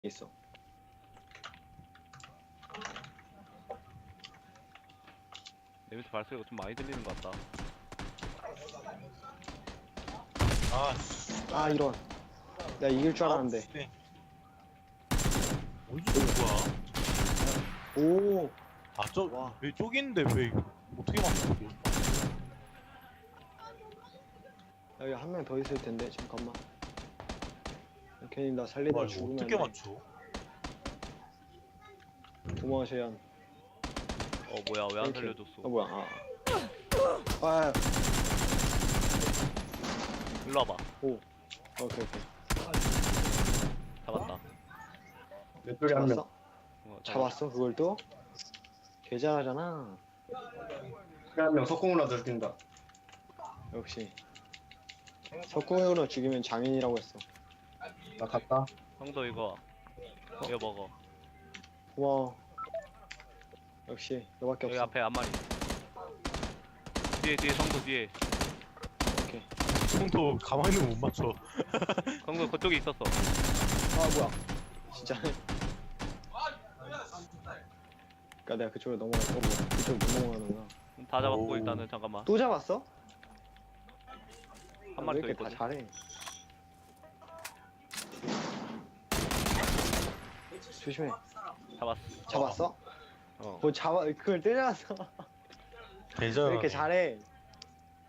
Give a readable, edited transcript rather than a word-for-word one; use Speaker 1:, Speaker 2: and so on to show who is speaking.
Speaker 1: 있어.
Speaker 2: 내 밑에 발소리가 좀 많이 들리는 것 같다.
Speaker 3: 아, 씨.
Speaker 1: 아 이런. 내가 이길 줄 알았는데.
Speaker 3: 어디서 온 거야?
Speaker 1: 오.
Speaker 3: 아,
Speaker 1: 와.
Speaker 3: 왜 저기 있는데 왜 어떻게 맞춰?
Speaker 1: 여기 한 명 더 있을 텐데 잠깐만. 괜히 나 살리다
Speaker 3: 와, 이거
Speaker 1: 죽으면
Speaker 3: 어떻게
Speaker 1: 안 돼.
Speaker 3: 맞춰?
Speaker 1: 고마워 재현.
Speaker 2: 뭐야, 왜 안
Speaker 1: 땡큐.
Speaker 2: 살려줬어?
Speaker 1: 뭐야? 아.
Speaker 2: 일로 와봐.
Speaker 1: 오. 오케이.
Speaker 2: 잡았다.
Speaker 4: 내 쪽에 한 명.
Speaker 1: 잡았어? 잡았어 그걸 또? 개 잘하잖아.
Speaker 4: 한 명 석공으로 들킨다.
Speaker 1: 역시. 석궁으로 죽이면 장인이라고 했어.
Speaker 4: 나 갔다.
Speaker 2: 형도 이거 먹어.
Speaker 1: 고마워. 역시 너밖에
Speaker 2: 여기
Speaker 1: 없어.
Speaker 2: 앞에 한 마리. 뒤에 성도 뒤에.
Speaker 1: 오케이.
Speaker 3: 형도 가만히 있는 못 맞춰.
Speaker 2: 성도 그쪽에 있었어.
Speaker 1: 아 뭐야? 진짜. 그니까 내가 그쪽으로 넘어갔어. 그쪽 못 넘어가는구나.
Speaker 2: 다 잡았고
Speaker 3: 오.
Speaker 2: 일단은 잠깐만.
Speaker 1: 또 잡았어?
Speaker 2: 한 마리
Speaker 1: 왜
Speaker 2: 더
Speaker 1: 이렇게 다
Speaker 2: 있거든.
Speaker 1: 잘해? 조심해.
Speaker 2: 잡았어.
Speaker 1: 잡았어?
Speaker 2: 어.
Speaker 1: 뭐 잡아 그걸 때려놨어. 왜
Speaker 3: 대전.
Speaker 1: 이렇게 잘해?